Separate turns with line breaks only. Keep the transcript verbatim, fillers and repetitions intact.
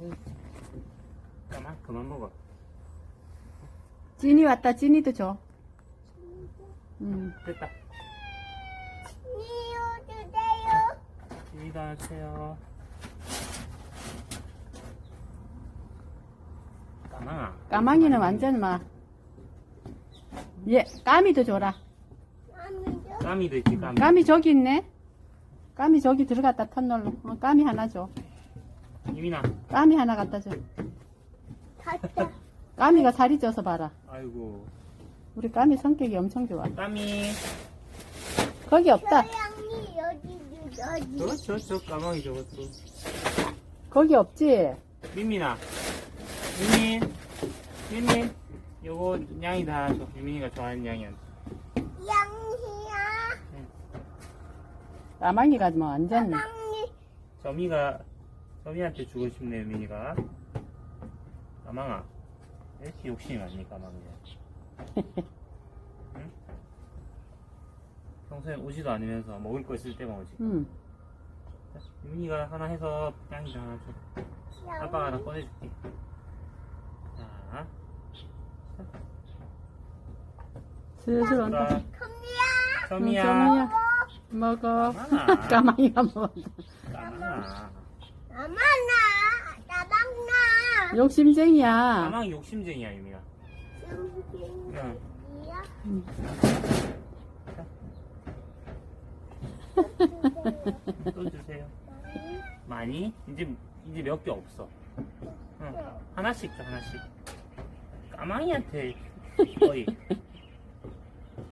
까만 그만 먹어.
찐이 왔다. 찐이도 줘. 응.
됐다.
이유 주세요.
찐이도 하나 주세요. 까망아.
까망이는 완전 막. 얘, 까미도 줘라.
아미도.
까미도 있지 까미.
까미 저기 있네. 까미 저기 들어갔다 터널로. 어, 까미 하나 줘.
유민아.
까미 하나 갖다 줘.
갔다.
까미가 살이 쪄서 봐라.
아이고.
우리 까미 성격이 엄청 좋아.
까미.
거기 없다.
고양이 여기 여기.
저저 저 까망이 저것도.
거기 없지?
민민아. 민민. 민민. 요거 양이 다 줘. 유민이가 좋아하는 양이야.
양이야.
까망이가 뭐 완전.
양이.
점이가 점이한테 주고 싶네 유민이가. 까망아. 왜 이렇게 욕심이 많니 까망이야. 응? 평소에 오지도 않으면서 먹을 거 있을 때만 오지.
응.
유민이가 하나 해서 양이도 하나 줘. 아빠가 하나 꺼내줄게. 자.
슬슬 온다.
자,
컴이야.
점이야.
점이야. 먹어.
까망아.
까망이가 먹어.
까망아.
나만나. 나방나.
욕심쟁이야.
까망이 욕심쟁이야 유민아. 응.
이야.
응.
또 주세요. 많이? 이제 이제 몇 개 없어. 응. 하나씩 줘 하나씩. 까망이한테 거의